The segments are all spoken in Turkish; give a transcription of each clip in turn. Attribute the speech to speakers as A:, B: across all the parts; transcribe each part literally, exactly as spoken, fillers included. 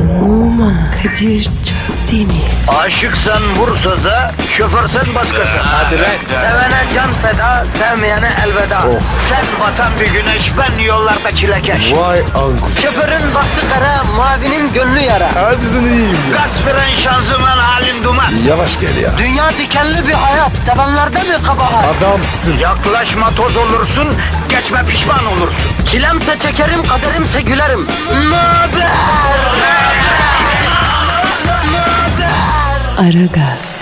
A: Numan Kadir Çöpdemir.
B: Aşıksan vursa da, şoförsen başkasın.
C: Hadi lan.
B: Sevene can feda, sevmeyene elveda. Sen batan bir güneş, ben yollarda çilekeş.
D: Vay anku.
B: Şoförün baktı kara, mavinin gönlü yara.
D: Hadi sen iyiyim ya.
B: Kasperen şanzıman halin duman.
D: Yavaş gel ya.
B: Dünya dikenli bir hayat, sevenlerde mi kabahar?
D: Adamsın.
B: Yaklaşma toz olursun, geçme pişman olursun. Çilemse çekerim, kaderimse gülerim. Möber!
A: Aragaz.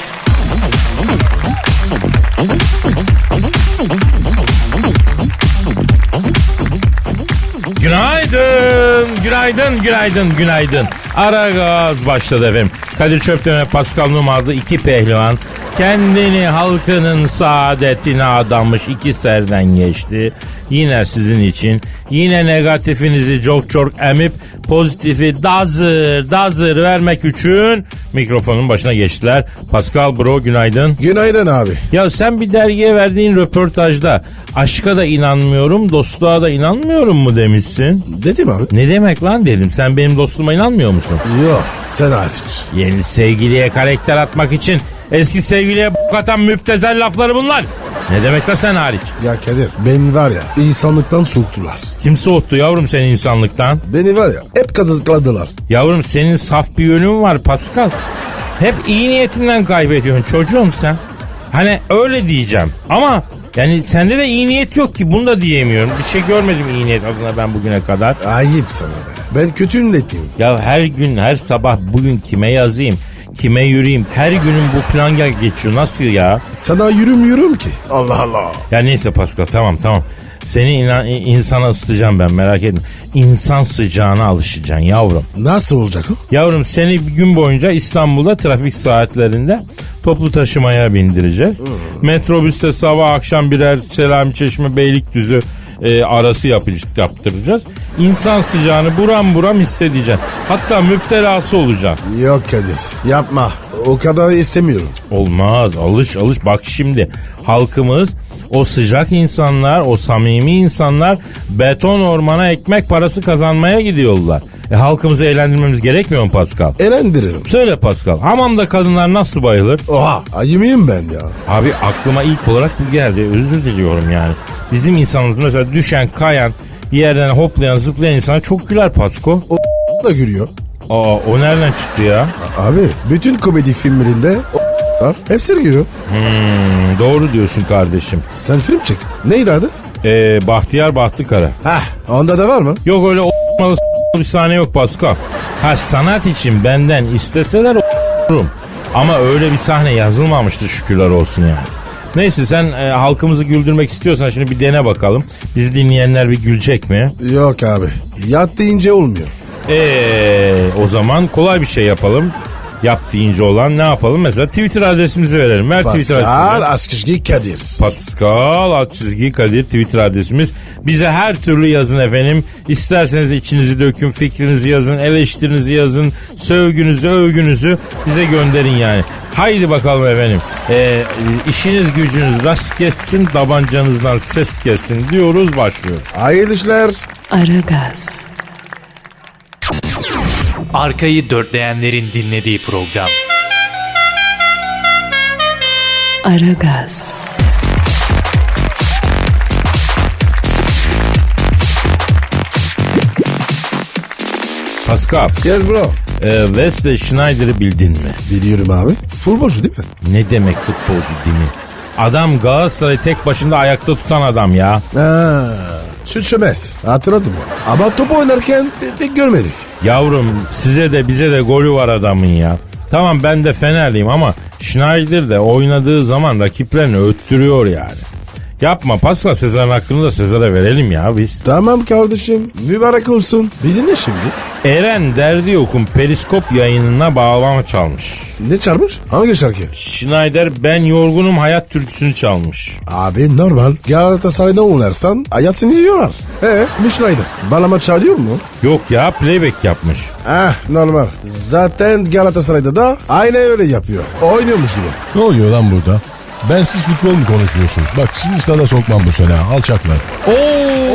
C: Günaydın, günaydın, günaydın, günaydın. Aragaz başladı efendim. Kadir Çöpdemir, Pascal Numa adlı iki pehlivan kendini halkının saadetine adamış iki serden geçti. Yine sizin için. Yine negatifinizi çok çok emip pozitifi dazır dazır vermek için mikrofonun başına geçtiler. Pascal bro günaydın.
D: Günaydın abi.
C: Ya sen bir dergiye verdiğin röportajda aşka da inanmıyorum, dostluğa da inanmıyorum mu demişsin?
D: Dedim abi.
C: Ne demek lan dedim. Sen benim dostluğuma inanmıyor musun?
D: Yok sen hariç.
C: Yeni sevgiliye karakter atmak için eski sevgiliye b**k atan müptezel lafları bunlar. Ne demek da sen hariç?
D: Ya Kadir beni var ya insanlıktan soğuttular.
C: Kim soğuttu yavrum seni insanlıktan?
D: Beni var ya hep kazıkladılar.
C: Yavrum senin saf bir yönün var Pascal. Hep iyi niyetinden kaybediyorsun çocuğum sen. Hani öyle diyeceğim ama yani sende de iyi niyet yok ki, bunu da diyemiyorum. Bir şey görmedim iyi niyet adına ben bugüne kadar.
D: Ayıp sana be. Ben kötü niyetliyim.
C: Ya her gün her sabah bugün kime yazayım, kime yürüyeyim, her günün bu plan geçiyor, nasıl ya?
D: Sana yürümüyorum ki. Allah Allah.
C: Ya neyse Pascal, tamam tamam. Seni inan, insana ısıtacağım ben, merak etme. İnsan sıcağına alışacaksın yavrum.
D: Nasıl olacak o?
C: Yavrum seni bir gün boyunca İstanbul'da trafik saatlerinde toplu taşımaya bindireceğiz. Hmm. Metrobüste sabah akşam birer Selamiçeşme Beylikdüzü e, arası yapacağız, yaptıracağız. İnsan sıcağını buram buram hissedeceksin. Hatta müptelası olacaksın.
D: Yok Kadir yapma. O kadar istemiyorum.
C: Olmaz, alış alış. Bak şimdi halkımız, o sıcak insanlar, o samimi insanlar beton ormana ekmek parası kazanmaya gidiyorlar. E, halkımızı eğlendirmemiz gerekmiyor mu Pascal?
D: Eğlendiririm.
C: Söyle Pascal, hamamda kadınlar nasıl bayılır?
D: Oha ayı mıyım ben ya?
C: Abi aklıma ilk olarak bu geldi, özür diliyorum yani. Bizim insanımız mesela düşen, kayan, bir yerden hoplayan, zıplayan insana çok güler Pasko.
D: O da gülüyor.
C: Aa, o nereden çıktı ya?
D: Abi bütün komedi filmlerinde o var. Hepsi gülüyor.
C: Hmm, doğru diyorsun kardeşim.
D: Sen film çektin. Neydi adı?
C: Ee, Bahtiyar Bahtıkara.
D: Hah onda da var mı?
C: Yok öyle o**malı bir sahne yok Pascal. Ha sanat için benden isteseler o**rum. Ama öyle bir sahne yazılmamıştı şükürler olsun yani. Neyse sen e, halkımızı güldürmek istiyorsan şimdi bir dene bakalım. Bizi dinleyenler bir gülecek mi?
D: Yok abi. Yat deyince olmuyor.
C: Eee o zaman kolay bir şey yapalım. Yap deyince olan ne yapalım? Mesela Twitter adresimizi verelim. Ver Twitter
D: Pascal
C: adresimizi.
D: Askışgi Kadir.
C: Pascal alt çizgi Kadir Twitter adresimiz. Bize her türlü yazın efendim. İsterseniz içinizi dökün, fikrinizi yazın, eleştirinizi yazın, sövgünüzü, övgünüzü bize gönderin yani. Haydi bakalım efendim. Ee, işiniz gücünüz rast kessin, tabancanızdan ses kessin diyoruz, başlıyoruz.
D: Hayırlı işler.
A: Aragaz.
E: Arkayı dörtleyenlerin dinlediği program.
A: Aragaz.
C: Pascal,
D: Yes bro.
C: e, Wesley Schneider'ı bildin mi?
D: Biliyorum abi. Futbolcu değil mi?
C: Ne demek futbolcu değil mi? Adam Galatasaray'ı tek başında ayakta tutan adam ya.
D: Ha, şu çömez. Hatırladım ya. Ama top oynarken pek görmedik.
C: Yavrum size de bize de golü var adamın ya. Tamam ben de Fenerliyim ama Schneider de oynadığı zaman rakiplerini öttürüyor yani. Yapma Pascal, Sezar'ın hakkını da Sezar'a verelim ya biz.
D: Tamam kardeşim. Mübarek olsun. Bizi ne şimdi?
C: Eren Derdi Yok'un Periskop yayınına bağlama çalmış.
D: Ne çarpmış? Hangi şarkı?
C: Schneider Ben Yorgunum Hayat türküsünü çalmış.
D: Abi normal. Galatasaray'da oynarsan hayatını yiyorlar. He bu Schneider. Balama çalıyor mu?
C: Yok ya, playback yapmış.
D: Ah normal. Zaten Galatasaray'da da aynı öyle yapıyor. Oynuyormuş gibi.
F: Ne oluyor lan burada? Ben siz futbol mu konuşuyorsunuz? Bak sizi sana sokmam bu sene alçaklar.
C: Oo!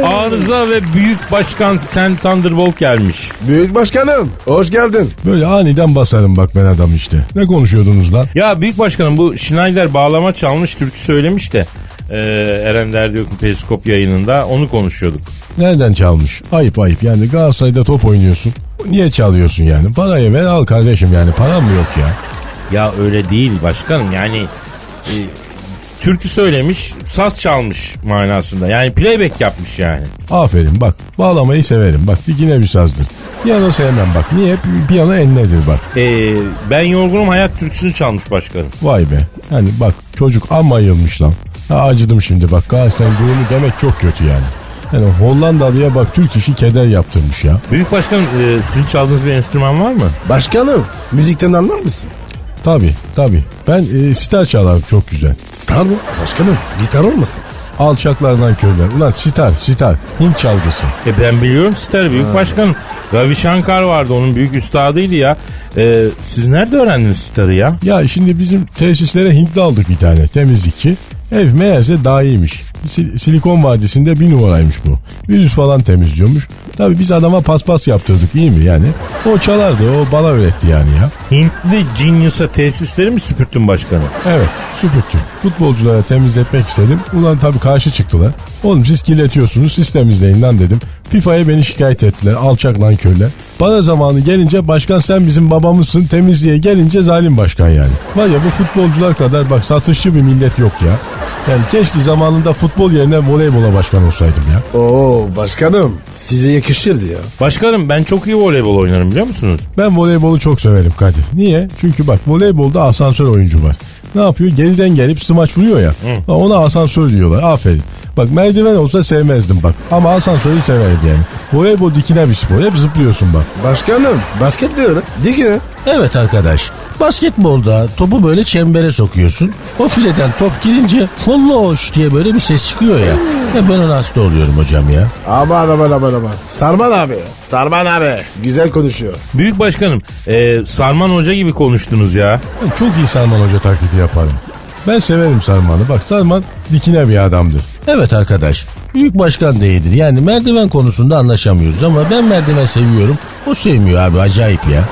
C: Arıza ve Büyük Başkan Sen Thunderbolt gelmiş.
D: Büyük başkanım hoş geldin.
F: Böyle aniden basarım bak ben adam işte. Ne konuşuyordunuz lan?
C: Ya Büyük Başkanım bu Schneider bağlama çalmış türkü söylemiş de e, Eren Derdiyok'un Periskop yayınında onu konuşuyorduk.
F: Nereden çalmış? Ayıp ayıp yani Galatasaray'da top oynuyorsun. Niye çalıyorsun yani? Parayı ver al kardeşim yani param mı yok ya?
C: Ya öyle değil başkanım yani e, türkü söylemiş saz çalmış manasında yani playback yapmış yani.
F: Aferin bak bağlamayı severim bak dikine bir sazdır. Piyano sevmem bak niye? Piyano enledir bak.
C: E, Ben Yorgunum Hayat türküsünü çalmış başkanım.
F: Vay be hani bak çocuk amma yılmış lan. Ha, acıdım şimdi bak Galatasaray'ın durumu demek çok kötü yani. Yani Hollandalı'ya bak Türk işi keder yaptırmış ya.
C: Büyük Başkanım e, sizin çaldığınız bir enstrüman var mı?
D: Başkanım müzikten anlar mısın?
F: Tabi tabi ben e, sitar çalarım çok güzel.
D: Star mı? Başkanım gitar olmasın?
F: Alçaklardan köyler. Ulan sitar sitar Hint çalgısı.
C: E ben biliyorum sitar Büyük ha. Başkanım. Ravi Shankar vardı onun büyük üstadıydı ya. E, siz nerede öğrendiniz sitarı ya?
F: Ya şimdi bizim tesislere Hintli aldık bir tane temizlikçi. Ev meğerse daha iyiymiş. Sil- Silikon Vadisi'nde bir numaraymış bu. Virüs falan temizliyormuş. Tabii biz adama paspas yaptırdık iyi mi yani? O çalardı o bana öğretti yani ya.
C: Hintli Genius'a tesisleri mi süpürttün başkanım?
F: Evet süpürttüm. Futbolculara temizletmek istedim. Ulan tabii karşı çıktılar. Oğlum siz kirletiyorsunuz siz temizleyin lan dedim. FIFA'ya beni şikayet ettiler alçak lan köyler. Bana zamanı gelince başkan sen bizim babamızsın temizliğe gelince zalim başkan yani. Var ya bu futbolcular kadar bak satışçı bir millet yok ya. Yani keşke zamanında futbol yerine voleybola başkan olsaydım ya.
D: Oo başkanım size yakışırdı ya.
C: Başkanım ben çok iyi voleybol oynarım biliyor musunuz?
F: Ben voleybolu çok severim Kadir. Niye? Çünkü bak voleybolda asansör oyuncu var. Ne yapıyor? Geriden gelip smaç vuruyor ya. Hı. Ona asansör diyorlar. Aferin. Bak merdiven olsa sevmezdim bak. Ama asansörü severim yani. Voleybol dikine bir spor. Hep zıplıyorsun bak.
D: Başkanım basket de öyle. Dikine.
G: Evet arkadaş. Basketbolda topu böyle çembere sokuyorsun. O fileden top girince folloş diye böyle bir ses çıkıyor ya. Ya ben ona hasta oluyorum hocam ya.
D: Aman aman aman aman. Sarman abi. Sarman abi. Güzel konuşuyor.
C: Büyük Başkanım e, Sarman Hoca gibi konuştunuz ya.
F: Ben çok iyi Sarman Hoca taklidi yaparım. Ben severim Sarman'ı. Bak Sarman dikine bir adamdır.
G: Evet arkadaş. Büyük başkan değildir. Yani merdiven konusunda anlaşamıyoruz ama ben merdiven seviyorum. O sevmiyor abi acayip ya.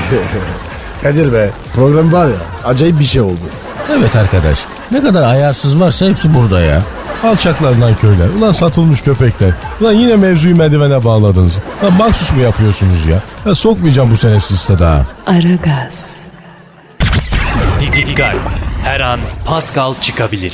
D: Kadir be program var ya acayip bir şey oldu.
G: Evet arkadaş. Ne kadar ayarsız varsa hepsi burada ya.
F: Alçaklardan köyler. Ulan satılmış köpekler. Ulan yine mevzuyu merdivene bağladınız. Lan maksus mu yapıyorsunuz ya? Ya sokmayacağım bu sene sizi daha.
A: Aragaz.
E: Dikkat. Her an Pascal çıkabilir.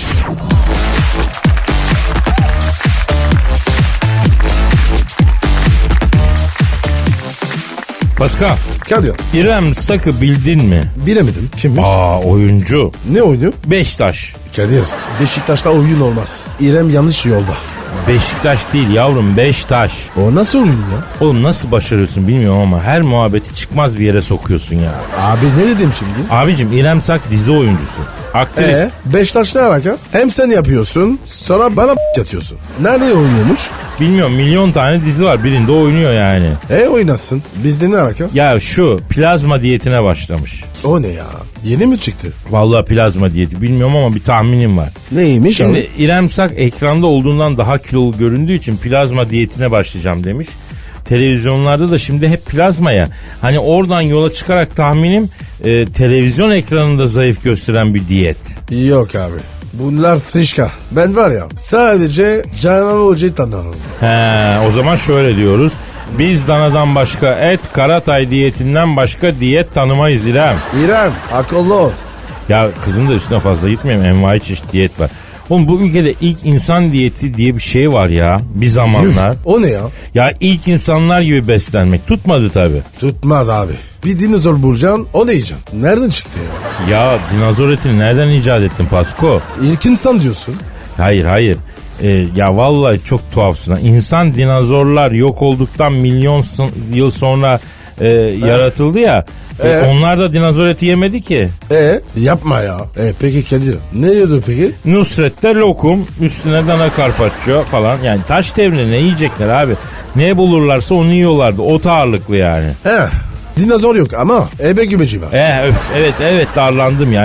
C: Pascal,
D: Kadir
C: İrem Sak'ı bildin mi?
D: bilemedim. Kimmiş?
C: Aa oyuncu.
D: Ne oynuyor?
C: Beşiktaş.
D: Kadir Beşiktaş'ta oyun olmaz. İrem yanlış yolda.
C: Beşiktaş değil yavrum Beştaş.
D: O nasıl oyun ya?
C: Oğlum nasıl başarıyorsun bilmiyorum ama her muhabbeti çıkmaz bir yere sokuyorsun ya.
D: Abi ne dedim şimdi?
C: Abicim İrem Sak dizi oyuncusu. Aktris.
D: Ee, Beşiktaş ne alaka? Hem sen yapıyorsun sonra bana yatıyorsun. Nerede oynuyormuş?
C: Bilmiyorum milyon tane dizi var birinde oynuyor yani.
D: E oynasın. Bizde ne alaka?
C: Ya şu plazma diyetine başlamış.
D: O ne ya? Yeni mi çıktı?
C: Vallahi plazma diyeti bilmiyorum ama bir tahminim var.
D: Neymiş
C: Şimdi
D: abi?
C: İrem Sak ekranda olduğundan daha kilolu göründüğü için plazma diyetine başlayacağım demiş. Televizyonlarda da şimdi hep plazma ya. Hani oradan yola çıkarak tahminim e, televizyon ekranında zayıf gösteren bir diyet.
D: Yok abi. Bunlar trişka. Ben var ya sadece Canan Hoca'yı tanırım.
C: He, o zaman şöyle diyoruz. Biz danadan başka et, Karatay diyetinden başka diyet tanımayız İrem.
D: İrem akıllı ol.
C: Ya kızın da üstüne fazla gitmeyeyim. Envai çeşit diyet var. Oğlum bu ülkede ilk insan diyeti diye bir şey var ya bir zamanlar.
D: O ne ya?
C: Ya ilk insanlar gibi beslenmek tutmadı tabii.
D: Tutmaz abi. Bir dinozor bulacaksın o ne yiyeceksin? Nereden çıktı ya?
C: Ya dinozor etini nereden icat ettin Pasko?
D: İlk insan diyorsun.
C: Hayır hayır. Ee, ya vallahi çok tuhafsın. ha. İnsan dinozorlar yok olduktan milyon son- yıl sonra e, yaratıldı ya. E,
D: Ee?
C: onlar da dinozor eti yemedi ki.
D: E yapma ya. E peki Kadir ne yiyordu peki?
C: Nusret'te lokum, üstüne dana karpaccio falan. Yani taş devrinde ne yiyecekler abi? Ne bulurlarsa onu yiyorlardı. Ot ağırlıklı yani.
D: He dinozor yok ama ebe gümeci var.
C: Eh öf evet evet darlandım ya.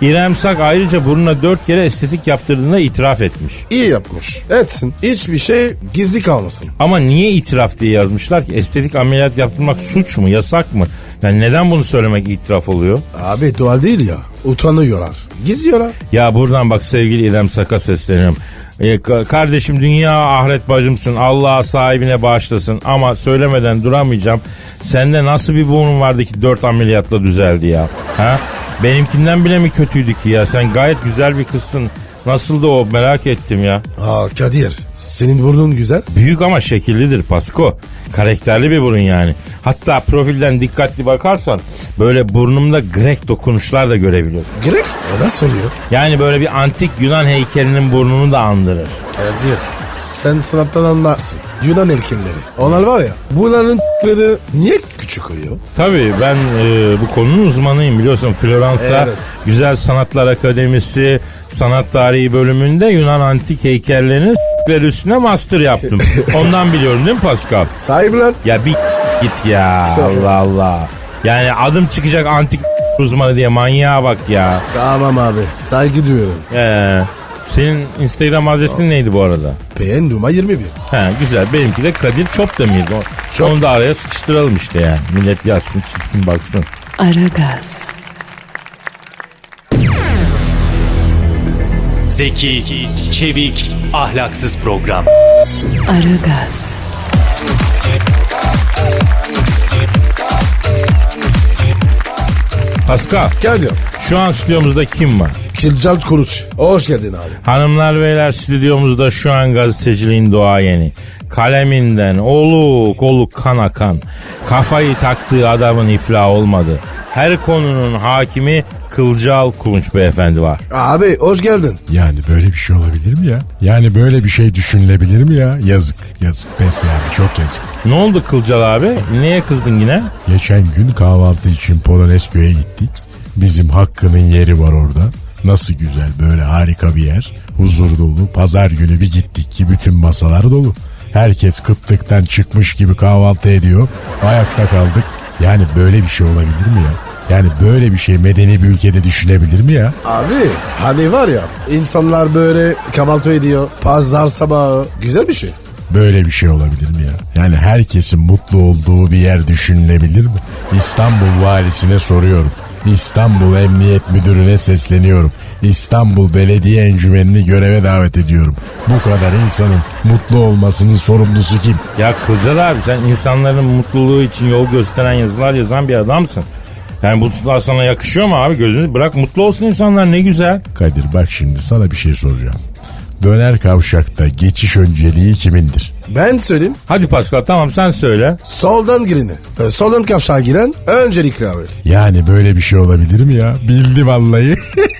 C: İrem Sak ayrıca burnuna dört kere estetik yaptırdığında itiraf etmiş.
D: İyi yapmış. Etsin. Hiçbir şey gizli kalmasın.
C: Ama niye itiraf diye yazmışlar ki? Estetik ameliyat yaptırmak suç mu, yasak mı? Yani neden bunu söylemek itiraf oluyor?
D: Abi doğal değil ya. Utanıyorlar. Gizliyorlar.
C: Ya buradan bak sevgili İrem Sak'a sesleniyorum. Ee, ka- kardeşim dünya ahiret bacımsın. Allah sahibine bağışlasın. Ama söylemeden duramayacağım. Sende nasıl bir burnun vardı ki dört ameliyatla düzeldi ya? Ha? Benimkinden bile mi kötüydü ki ya? Sen gayet güzel bir kızsın. Nasıldı o, merak ettim ya.
D: Aa Kadir, senin burnun güzel.
C: Büyük ama şekillidir Pasko. Karakterli bir burun yani. Hatta profilden dikkatli bakarsan böyle burnumda Grek dokunuşlar da görebiliyorsun.
D: Grek? O nasıl oluyor?
C: Yani böyle bir antik Yunan heykelinin burnunu da andırır.
D: Kadir, sen sanattan anlarsın. Yunan heykelleri. Onlar var ya, bunların ***leri niye küçük oluyor?
C: Tabii ben e, bu konunun uzmanıyım biliyorsun. Floransa
D: Evet.
C: Güzel Sanatlar Akademisi Sanat Tarihi bölümünde Yunan antik heykellerinin s**leri üstüne master yaptım. Ondan biliyorum değil mi Pascal?
D: Sahibi lan.
C: Ya bir git ya, Allah Allah. Yani adım çıkacak antik uzmanı diye, manyağa bak ya.
D: Tamam abi, saygı duyuyorum.
C: Ee, senin Instagram adresin neydi bu arada?
D: P N Duma yirmi bir.
C: He güzel, benimki de Kadir Çopdemir'di. O- Onu da araya sıkıştıralım işte yani. Millet yazsın, çizsin, baksın.
A: Aragaz,
E: Zeki, çevik, ahlaksız program.
A: Aragaz,
C: Pascal,
D: Kadir,
C: şu an stüdyomuzda kim var?
D: Kilcal Kuruç. Hoş geldin abi.
C: Hanımlar beyler, stüdyomuzda şu an gazeteciliğin doğayeni. Kaleminden oluk oluk kan akan. Kafayı taktığı adamın iflah olmadı. Her konunun hakimi Kılcal Kulunç beyefendi var.
D: Abi hoş geldin.
F: Yani böyle bir şey olabilir mi ya? Yani böyle bir şey düşünülebilir mi ya? Yazık, yazık. Pes yani, çok yazık.
C: Ne oldu Kılcal abi? Neye kızdın yine?
F: Geçen gün kahvaltı için Polonezköy'e gittik. Bizim Hakkı'nın yeri var orada. Nasıl güzel, böyle harika bir yer. Huzur dolu. Pazar günü bir gittik ki bütün masalar dolu. Herkes kıtlıktan çıkmış gibi kahvaltı ediyor. Ayakta kaldık. Yani böyle bir şey olabilir mi ya? Yani böyle bir şey medeni bir ülkede düşünebilir mi ya?
D: Abi hani var ya, insanlar böyle kahvaltı ediyor. Pazar sabahı. Güzel bir şey.
F: Böyle bir şey olabilir mi ya? Yani herkesin mutlu olduğu bir yer düşünülebilir mi? İstanbul valisine soruyorum. İstanbul Emniyet Müdürü'ne sesleniyorum. İstanbul Belediye Encümeni'ni göreve davet ediyorum. Bu kadar insanın mutlu olmasının sorumlusu kim?
C: Ya Kılcal abi, sen insanların mutluluğu için yol gösteren yazılar yazan bir adamsın. Yani bu tutlar sana yakışıyor mu abi? Gözünü bırak, mutlu olsun insanlar, ne güzel.
F: Kadir bak şimdi sana bir şey soracağım. Döner kavşakta geçiş önceliği kimindir?
D: Ben söyleyeyim.
C: Hadi Pascal, tamam sen söyle.
D: Soldan gireni. e, Soldan kavşağa giren öncelikli abi.
F: Yani böyle bir şey olabilir mi ya? Bildi vallahi.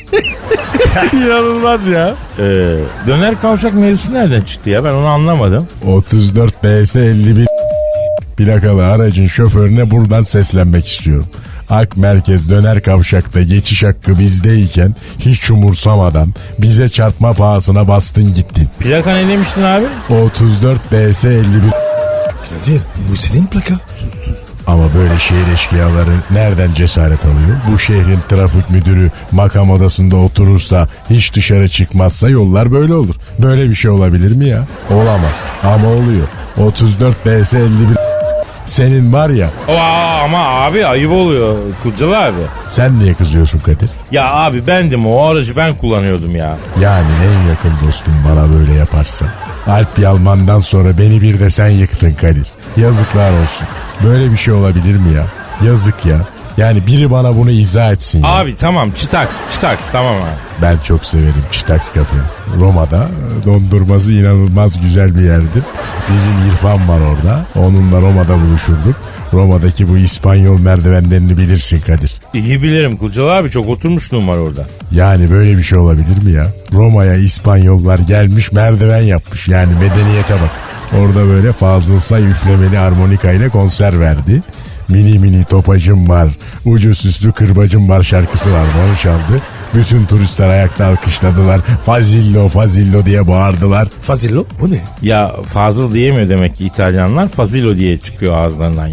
F: İnanılmaz ya.
C: Ee, döner kavşak mevzusu nereden çıktı ya, ben onu anlamadım.
F: otuz dört B S elli bir plakalı aracın şoförüne buradan seslenmek istiyorum. Ak Merkez döner kavşakta geçiş hakkı bizdeyken hiç umursamadan bize çarpma pahasına bastın gittin.
C: Plaka ne demiştin abi?
F: otuz dört B S elli bir.
D: Kadir, bu senin plaka.
F: Ama böyle şehir eşkıyaları nereden cesaret alıyor? Bu şehrin trafik müdürü makam odasında oturursa, hiç dışarı çıkmazsa yollar böyle olur. Böyle bir şey olabilir mi ya? Olamaz. Ama oluyor. otuz dört B S elli bir. Senin var ya.
C: Aa, ama abi ayıp oluyor Kılcal abi.
F: Sen niye kızıyorsun Kadir?
C: Ya abi bendim, o aracı ben kullanıyordum ya.
F: Yani en yakın dostum bana böyle yaparsa. Alp Yalman'dan sonra beni bir de sen yıktın Kadir. Yazıklar olsun. Böyle bir şey olabilir mi ya? Yazık ya. Yani biri bana bunu izah etsin ya.
C: Abi tamam, çıtaks çıtaks tamam abi.
F: Ben çok severim Çıtaks Kafe. Roma'da dondurması inanılmaz güzel bir yerdir. Bizim İrfan var orada. Onunla Roma'da buluşurduk. Roma'daki bu İspanyol merdivenlerini bilirsin Kadir.
C: İyi bilirim Kılcal abi, çok oturmuşluğum var orada.
F: Yani böyle bir şey olabilir mi ya? Roma'ya İspanyollar gelmiş, merdiven yapmış. Yani medeniyete bak. Orada böyle Fazıl Say üflemeli harmonika ile konser verdi. Mini mini topacım var, ucu süslü kırbacım var şarkısı vardı, onu çaldı. Bütün turistler ayakta alkışladılar. Fazillo Fazillo diye bağırdılar.
D: Fazillo, bu ne?
C: Ya Fazıl diyemiyor demek ki İtalyanlar, Fazilo diye çıkıyor ağızlarından yani.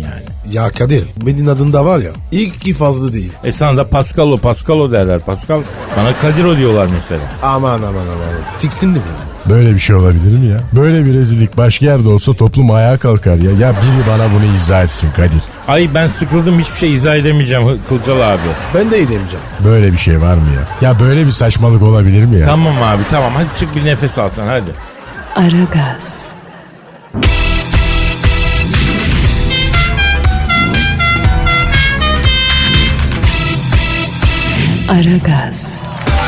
D: Ya Kadir benim adımda var ya ilk iki fazla değil.
C: E sana da Pascalo Pascalo derler. Pascal bana Kadiro diyorlar mesela.
D: Aman aman aman. Tiksindim ya.
F: Böyle bir şey olabilir mi ya? Böyle bir rezillik başka yerde olsa toplum ayağa kalkar ya. Ya biri bana bunu izah etsin Kadir.
C: Ay ben sıkıldım, hiçbir şey izah edemeyeceğim Kılcal abi.
D: Ben de edemeyeceğim.
F: Böyle bir şey var mı ya? Ya böyle bir saçmalık olabilir mi ya?
C: Tamam abi tamam, hadi çık bir nefes al sen hadi.
A: Aragaz. Aragaz.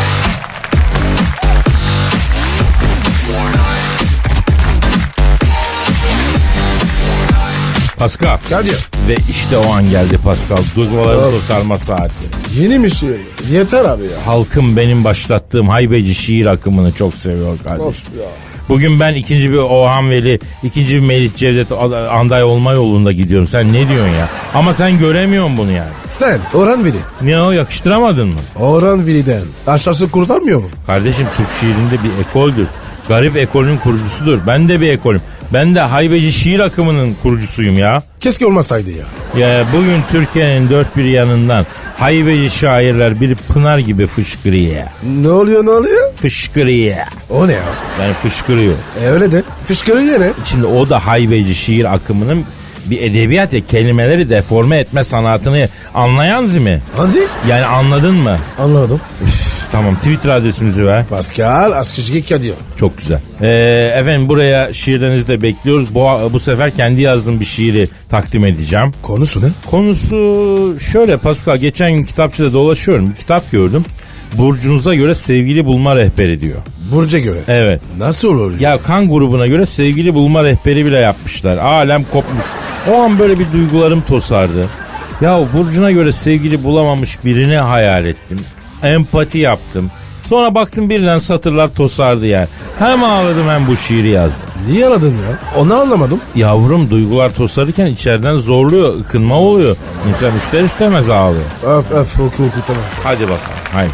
C: Pascal.
D: Kadir
C: Ve işte o an geldi Pascal. Duyguların tosarma saati.
D: yeni mi şiir? Yeter abi ya.
C: Halkım benim başlattığım haybeci şiir akımını çok seviyor kardeşim.
D: Of ya.
C: Bugün ben ikinci bir Orhan Veli, ikinci bir Melih Cevdet Anday olma yolunda gidiyorum. Sen ne diyorsun ya? Ama sen göremiyorsun bunu yani.
D: Sen Orhan Veli.
C: Ne o, yakıştıramadın mı?
D: Orhan Veli'den aşağısı kurtarmıyor mu?
C: Kardeşim Türk şiirinde bir ekoldür. Garip ekolün kurucusudur. Ben de bir ekolüm. Ben de haybeci şiir akımının kurucusuyum ya.
D: Keşke olmasaydı ya.
C: Ya bugün Türkiye'nin dört bir yanından haybeci şairler bir pınar gibi fışkırıyor.
D: Ne oluyor ne oluyor?
C: Fışkırıyor.
D: O ne ya?
C: Yani fışkırıyor.
D: E öyle de. Fışkırıyor ne?
C: Şimdi o da haybeci şiir akımının bir edebiyat ya, kelimeleri deforme etme sanatını anlayan zimi.
D: Hanzi?
C: Yani anladın mı?
D: Anlamadım.
C: Üf, tamam, Twitter adresimizi ver.
D: Pascal Askışki Kadir.
C: Çok güzel. Ee, efendim buraya şiirlerinizi de bekliyoruz. Bu, bu sefer kendi yazdığım bir şiiri takdim edeceğim.
D: Konusu ne?
C: Konusu şöyle Pascal, geçen gün kitapçıda dolaşıyorum. Bir kitap gördüm. Burcunuza göre sevgili bulma rehberi diyor.
D: Burca göre.
C: Evet.
D: Nasıl oluyor?
C: Ya kan grubuna göre sevgili bulma rehberi bile yapmışlar. Alem kopmuş. O an böyle bir duygularım tosardı. Ya burcuna göre sevgili bulamamış birini hayal ettim. Empati yaptım. Sonra baktım birden satırlar tosardı yani. Hem ağladım hem bu şiiri yazdım.
D: Niye aradın ya? Onu anlamadım.
C: Yavrum duygular tosarırken içeriden zorluyor, ıkınma oluyor. İnsan ister istemez ağlıyor.
D: Öf öf oku oku tamam.
C: Hadi bakalım haydi.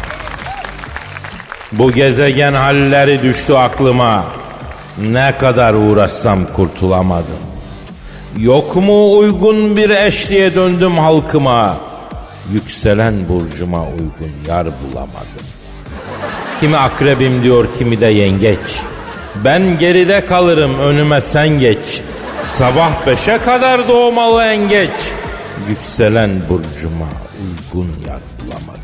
C: Bu gezegen halleri düştü aklıma. Ne kadar uğraşsam kurtulamadım. Yok mu uygun bir eş diye döndüm halkıma. Yükselen burcuma uygun yar bulamadım. Kimi akrebim diyor, kimi de yengeç. Ben geride kalırım, önüme sen geç. Sabah beşe kadar doğmalı en geç. Yükselen burcuma uygun yar bulamadım.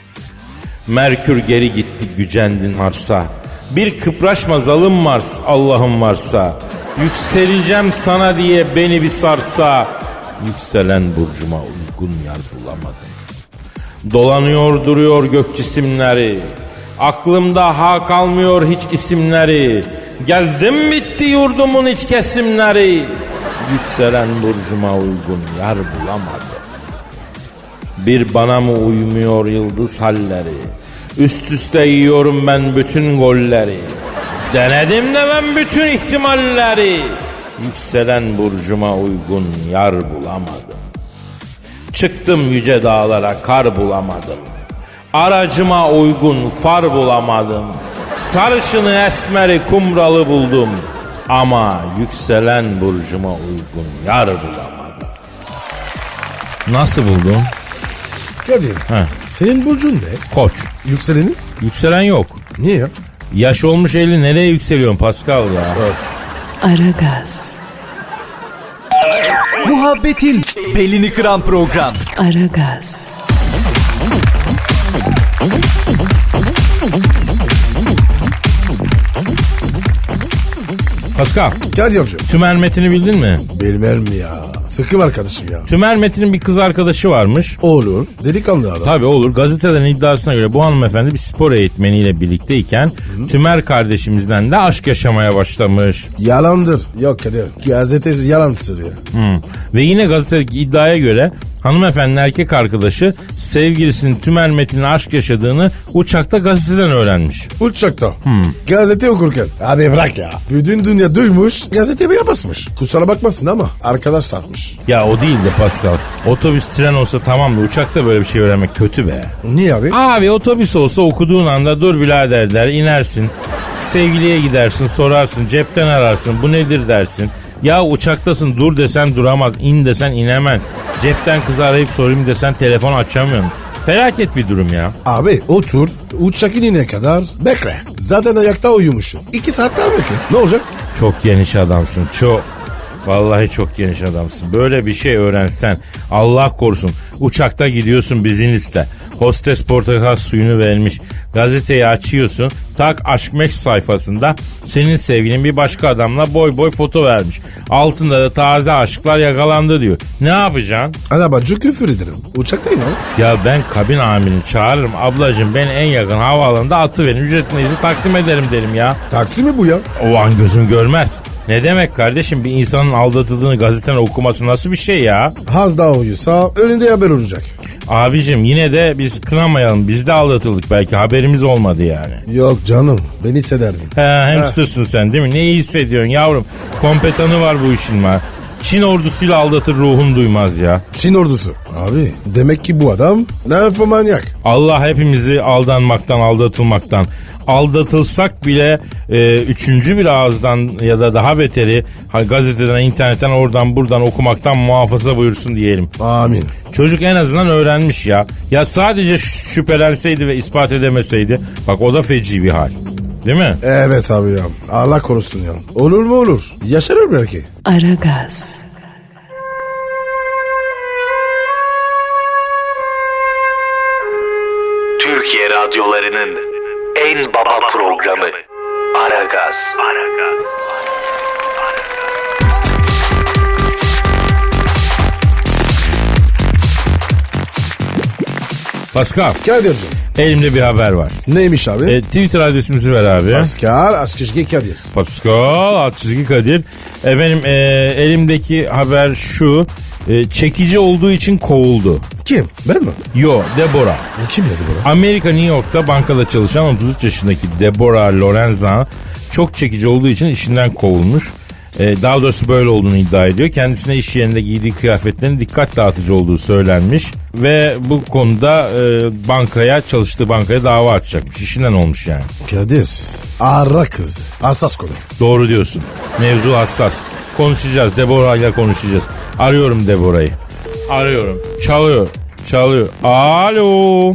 C: Merkür geri gitti, gücendin Mars'a. Bir kıpraşma zalim Mars, Allah'ım varsa. Yükseleceğim sana diye beni bir sarsa. Yükselen burcuma uygun yar bulamadım. Dolanıyor duruyor gök cisimleri. Aklımda ha kalmıyor hiç isimleri. Gezdim bitti yurdumun iç kesimleri. Yükselen burcuma uygun yar bulamadım. Bir bana mı uymuyor yıldız halleri? Üst üste yiyorum ben bütün golleri. Denedim de ben bütün ihtimalleri. Yükselen burcuma uygun yar bulamadım. Çıktım yüce dağlara, kar bulamadım. Aracıma uygun far bulamadım. Sarışını esmeri kumralı buldum. Ama yükselen burcuma uygun yar bulamadım. Nasıl buldun?
D: Kadir.
C: He.
D: Senin burcun ne?
C: Koç.
D: Yükselenin?
C: Yükselen yok.
D: Niye ya?
C: Yaş olmuş elli, nereye yükseliyorsun Pascal ya?
D: Öf.
A: Aragaz.
H: Muhabbetin belini kıran program.
A: Aragaz.
C: Pascal,
D: Kadir'cim.
C: Tümer Metin'i bildin mi?
D: Bilmem mi ya? Sıkım arkadaşım ya.
C: Tümer Metin'in bir kız arkadaşı varmış.
D: Olur. Delikanlı adam.
C: Tabii olur. Gazetelerin iddiasına göre bu hanımefendi bir spor eğitmeniyle birlikteyken Hı. Tümer kardeşimizden de aşk yaşamaya başlamış.
D: Yalandır. Yok Kadir. Gazetesi yalan söylüyor.
C: Hı. Ve yine gazetedeki iddiaya göre hanımefendinin erkek arkadaşı sevgilisinin Tümer Metin'le aşk yaşadığını uçakta gazeteden öğrenmiş.
D: Uçakta. Hmm. Gazete okurken. Abi bırak ya. Bütün dünya duymuş. Gazeteye basmış. Kusura bakmasın ama arkadaş satmış.
C: Ya o değil de Pascal. Otobüs tren olsa tamam da uçakta böyle bir şey öğrenmek kötü be.
D: Niye abi?
C: Abi otobüs olsa okuduğun anda dur birader der, inersin. Sevgiliye gidersin, sorarsın, cepten ararsın, bu nedir dersin. Ya uçaktasın, dur desen duramaz, in desen inemen. Cepten kızı arayıp sorayım desen telefon açamıyorum. Felaket bir durum ya.
D: Abi otur uçak inene kadar bekle. Zaten ayakta uyumuşsun. İki saat daha bekle. Ne olacak?
C: Çok geniş adamsın, çok. Vallahi çok geniş adamsın. Böyle bir şey öğrensen, Allah korusun, uçakta gidiyorsun business'te. Hostes portakal suyunu vermiş. Gazeteyi açıyorsun. Tak aşk meşk sayfasında senin sevgilin bir başka adamla boy boy foto vermiş. Altında da taze aşklar yakalandı diyor. Ne yapacaksın?
D: Arabacı küfür ederim. Uçaktayım abi.
C: Ya ben kabin amirini çağırırım. Ablacığım ben en yakın havaalanında atıverin. Ücret neyse takdim ederim derim ya.
D: Taksi mi bu ya?
C: O an gözüm görmez. Ne demek kardeşim, bir insanın aldatıldığını gazeteden okuması nasıl bir şey ya?
D: Az daha uyusa önünde haber olacak.
C: Abicim yine de biz kınamayalım. Biz de aldatıldık, belki haberimiz olmadı yani.
D: Yok canım ben hissederdin.
C: He, hamstersın sen değil mi? Neyi hissediyorsun yavrum? Kompetanı var bu işin var. Çin ordusuyla aldatır ruhun duymaz ya.
D: Çin ordusu. Abi demek ki bu adam nefromanyak.
C: Allah hepimizi aldanmaktan, aldatılmaktan, aldatılsak bile e, üçüncü bir ağızdan ya da daha beteri ha, gazeteden, internetten, oradan buradan okumaktan muhafaza buyursun diyelim.
D: Amin.
C: Çocuk en azından öğrenmiş ya. Ya sadece ş- şüphelenseydi ve ispat edemeseydi, bak o da feci bir hal. Değil mi?
D: Evet abi ya. Allah korusun ya. Olur mu olur. Yaşarır belki.
A: Aragaz,
E: Türkiye radyolarının en baba programı Aragaz.
C: Pascal,
D: Kadir'cim.
C: elimde bir haber var.
D: Neymiş abi?
C: E, Twitter adresimizi ver abi.
D: Pascal Askışgi Kadir.
C: Pascal alt çizgi Kadir. Efendim e, elimdeki haber şu. E, çekici olduğu için kovuldu.
D: Kim? Ben mi?
C: Yo, Deborah.
D: Bu kim dedi bu?
C: Amerika New York'ta bankada çalışan otuz üç yaşındaki Deborah Lorenza çok çekici olduğu için işinden kovulmuş. Ee, daha doğrusu böyle olduğunu iddia ediyor. Kendisine iş yerinde giydiği kıyafetlerin dikkat dağıtıcı olduğu söylenmiş. Ve bu konuda e, bankaya, çalıştığı bankaya dava açacakmış. İşinden olmuş yani.
D: Kadir. Ara kız. Hassas konu.
C: Doğru diyorsun. Mevzu hassas. Konuşacağız. Deborah ile konuşacağız. Arıyorum Deborah'ı. Arıyorum. Çalıyor. Çalıyor. Alo.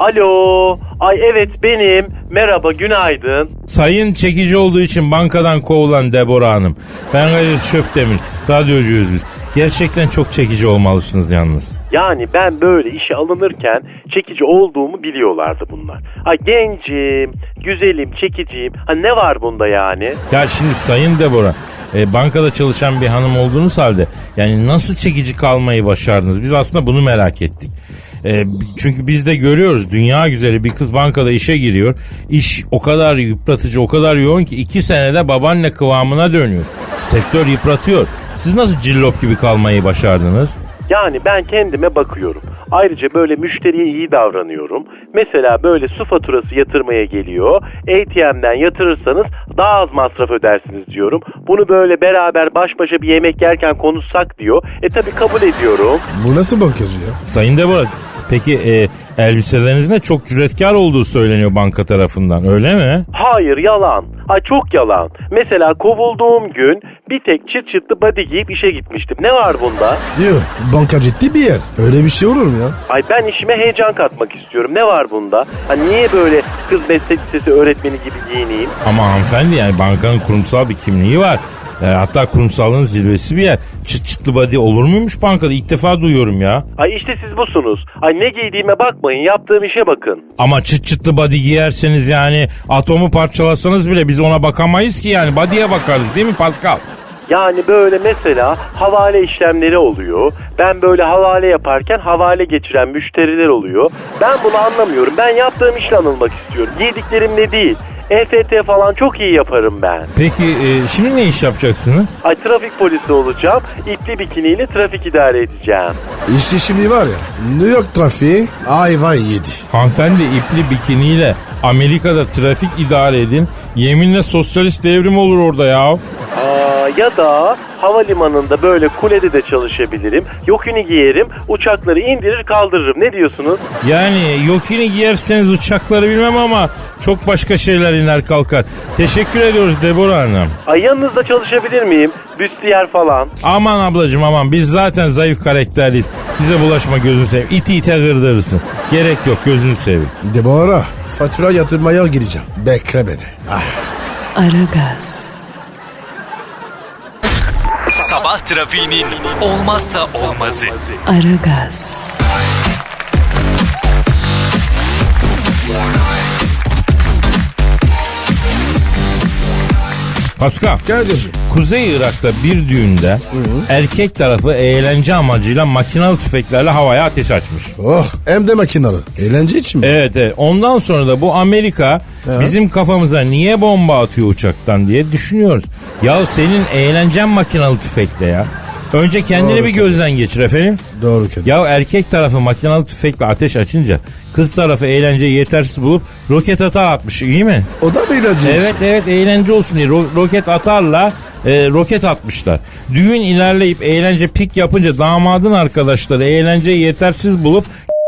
I: Alo. Ay evet benim. Merhaba, günaydın.
C: Sayın çekici olduğu için bankadan kovulan Deborah Hanım. Ben Kadir Çöptemir. Radyocuyuz biz. Gerçekten çok çekici olmalısınız yalnız.
I: Yani ben böyle işe alınırken çekici olduğumu biliyorlardı bunlar. Ay gencim, güzelim, çekiciyim. Ha ne var bunda yani?
C: Ya şimdi Sayın Deborah, e, bankada çalışan bir hanım olduğunuz halde yani nasıl çekici kalmayı başardınız? Biz aslında bunu merak ettik. E, çünkü biz de görüyoruz, dünya güzeli bir kız bankada işe giriyor. İş o kadar yıpratıcı, o kadar yoğun ki iki senede babaanne kıvamına dönüyor. Sektör yıpratıyor. Siz nasıl cillop gibi kalmayı başardınız?
I: Yani ben kendime bakıyorum. Ayrıca böyle müşteriye iyi davranıyorum. Mesela böyle su faturası yatırmaya geliyor. A T M'den yatırırsanız daha az masraf ödersiniz diyorum. Bunu böyle beraber baş başa bir yemek yerken konuşsak diyor. E tabi kabul ediyorum.
D: Bu nasıl bankacı ya?
C: Sayın Deborah, peki e, elbiselerinizin de çok cüretkar olduğu söyleniyor banka tarafından, öyle mi?
I: Hayır, yalan. Ay çok yalan. Mesela kovulduğum gün bir tek çıt çıtlı body giyip işe gitmiştim. Ne var bunda?
D: Yok. Banka ciddi bir yer. Öyle bir şey olur mu ya?
I: Ay ben işime heyecan katmak istiyorum. Ne var bunda? Ha niye böyle kız meslek lisesi öğretmeni gibi giyineyim?
C: Ama hanımefendi, yani bankanın kurumsal bir kimliği var. E, hatta kurumsallığın zirvesi bir yer. Çıt çıtlı body olur muymuş bankada? İlk defa duyuyorum ya.
I: Ay işte siz busunuz. Ay ne giydiğime bakmayın, yaptığım işe bakın.
C: Ama çıt çıtlı body giyerseniz yani atomu parçalasanız bile biz ona bakamayız ki yani. Body'ye bakarız değil mi Pascal?
I: Yani böyle mesela havale işlemleri oluyor. Ben böyle havale yaparken havale geçiren müşteriler oluyor. Ben bunu anlamıyorum. Ben yaptığım işle anılmak istiyorum. Giydiklerimle değil. E F T falan çok iyi yaparım ben.
C: Peki e, şimdi ne iş yapacaksınız?
I: Ay trafik polisi olacağım. İpli bikiniyle trafik idare edeceğim.
D: İşte şimdi var ya, New York trafiği ayva yedi.
C: Hanımefendi, ipli bikiniyle Amerika'da trafik idare edin. Yeminle sosyalist devrim olur orada ya.
I: Aa ya da havalimanında böyle kulede de çalışabilirim. Yokini giyerim, uçakları indirir kaldırırım. Ne diyorsunuz?
C: Yani yokini giyerseniz uçakları bilmem ama çok başka şeyler iner kalkar. Teşekkür ediyoruz Deborah Hanım.
I: Ay yanınızda çalışabilir miyim? Büstiyer falan.
C: Aman ablacığım aman, biz zaten zayıf karakterliyiz. Bize bulaşma, gözünü seveyim. İti ite gırdırırsın. Gerek yok, gözünü seveyim.
D: Deborah, fatura yatırmaya gireceğim. Bekle beni. Ah.
A: Aragaz,
H: Sabah trafiğinin olmazsa olmazı.
A: Aragaz,
C: Pascal,
D: Kadir'cim.
C: Kuzey Irak'ta bir düğünde erkek tarafı eğlence amacıyla makinalı tüfeklerle havaya ateş açmış.
D: Oh, hem de makinalı. Eğlence için mi?
C: Evet, evet. Ondan sonra da bu Amerika bizim kafamıza niye bomba atıyor uçaktan diye düşünüyoruz. Ya senin eğlencen makinalı tüfekle ya. Önce kendini
D: Doğru
C: bir gözden geçir efendim.
D: Doğru Kadir.
C: Ya erkek tarafı makinalı tüfekle ateş açınca kız tarafı eğlenceyi yetersiz bulup roket atar atmış, iyi mi?
D: O da mı eğlence?
C: Evet evet, eğlence olsun diye ro- roket atarla e, roket atmışlar. Düğün ilerleyip eğlence pik yapınca damadın arkadaşları eğlenceyi yetersiz bulup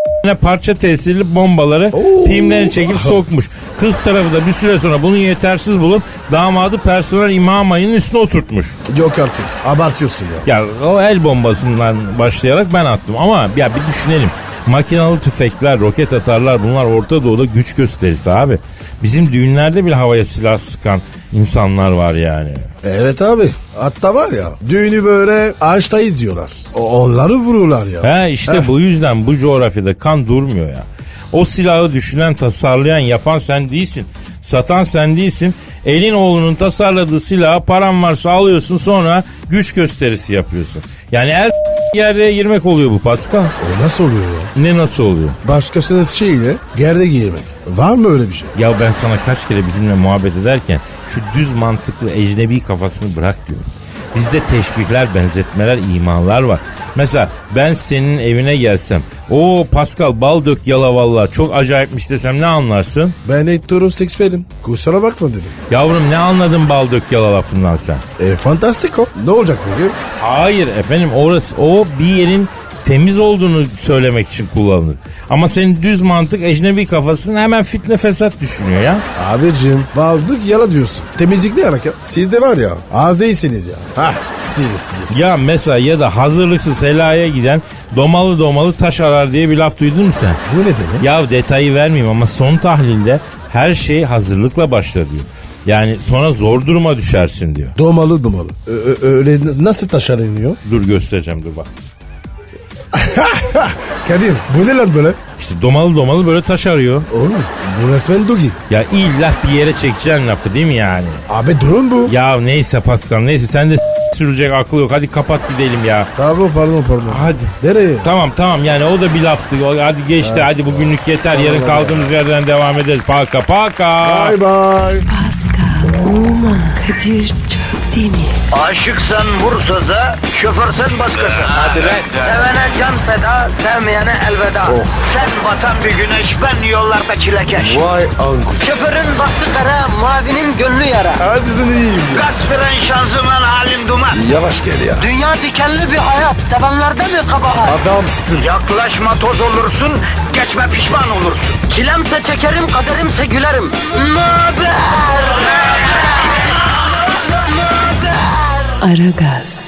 C: parça tesirli bombaları pimlerini çekip sokmuş. Kız tarafı da bir süre sonra bunu yetersiz bulup damadı personel imam ayının üstüne oturtmuş.
D: Yok artık. Abartıyorsun ya.
C: Ya o el bombasından başlayarak ben attım ama ya bir düşünelim. Makinalı tüfekler, roket atarlar, bunlar Orta Doğu'da güç gösterisi abi. Bizim düğünlerde bile havaya silah sıkan insanlar var yani.
D: Evet abi. Hatta var ya, düğünü böyle ağaçta izliyorlar. O, onları vururlar ya.
C: He işte
D: Heh.
C: bu yüzden bu coğrafyada kan durmuyor ya. O silahı düşünen, tasarlayan, yapan sen değilsin. Satan sen değilsin. Elin oğlunun tasarladığı silahı paran varsa alıyorsun, sonra güç gösterisi yapıyorsun. Yani el yerde girmek oluyor bu Pascal.
D: O nasıl oluyor ya?
C: Ne nasıl oluyor?
D: Başkasının şeyiyle gerde giyirmek. Var mı öyle bir şey?
C: Ya ben sana kaç kere bizimle muhabbet ederken şu düz mantıklı ecnebi kafasını bırak diyorum. Bizde teşbihler, benzetmeler, imalar var. Mesela ben senin evine gelsem, o Pascal bal dök yala vallahi çok acayipmiş desem ne anlarsın?
D: Ben heterosexuelim. Kusura bakma dedim.
C: Yavrum ne anladın bal dök yala lafından sen?
D: E fantastik o. Ne olacak peki?
C: Hayır efendim, orası o bir yerin temiz olduğunu söylemek için kullanılır. Ama senin düz mantık ecnebi kafasını hemen fitne fesat düşünüyor ya.
D: Abicim baldık yala diyorsun. Temizlik ne hareket? Siz de var ya az değilsiniz ya. Hah siz siz.
C: Ya mesela ya da hazırlıksız helaya giden domalı domalı taş arar diye bir laf duydun mu sen?
D: Bu ne demek?
C: Ya detayı vermeyeyim ama son tahlilde her şey hazırlıkla başla diyor. Yani sonra zor duruma düşersin diyor.
D: Domalı domalı. Ö- ö- öyle nasıl taşar iniyor?
C: Dur göstereceğim, dur bak.
D: Kadir bu ne lan böyle?
C: İşte domalı domalı böyle taş arıyor.
D: Oğlum bu resmen dogi.
C: Ya illa bir yere çekeceksin lafı değil mi yani?
D: Abi drone bu.
C: Ya neyse Pascal, neyse sen de s- sürecek aklı yok. Hadi kapat gidelim ya.
D: Tamam pardon pardon.
C: Hadi.
D: Nereye?
C: Tamam tamam, yani o da bir laftı. O- Hadi geçti, hadi bugünlük yeter. Yarın kaldığımız yerden devam ederiz. Paka paka.
D: Bye bye.
A: Pascal, Oman, Kadir çok değil mi?
B: Aşıksan vursa da, şoförsen başkasın. Hadi
H: lan.
B: Sevene can feda, sevmeyene elveda. Sen batan bir güneş, ben yollarda çilekeş.
D: Vay anku.
B: Şoförün baktı kara, mavinin gönlü yara.
D: Hadi sen iyiyim ya.
B: Kasperen şanzıman halin duman.
D: Yavaş gel ya.
B: Dünya dikenli bir hayat, sevenlerde mi kabahar?
D: Adamsın.
B: Yaklaşma toz olursun, geçme pişman olursun. Çilemse çekerim, kaderimse gülerim. Möber!
A: Aragaz.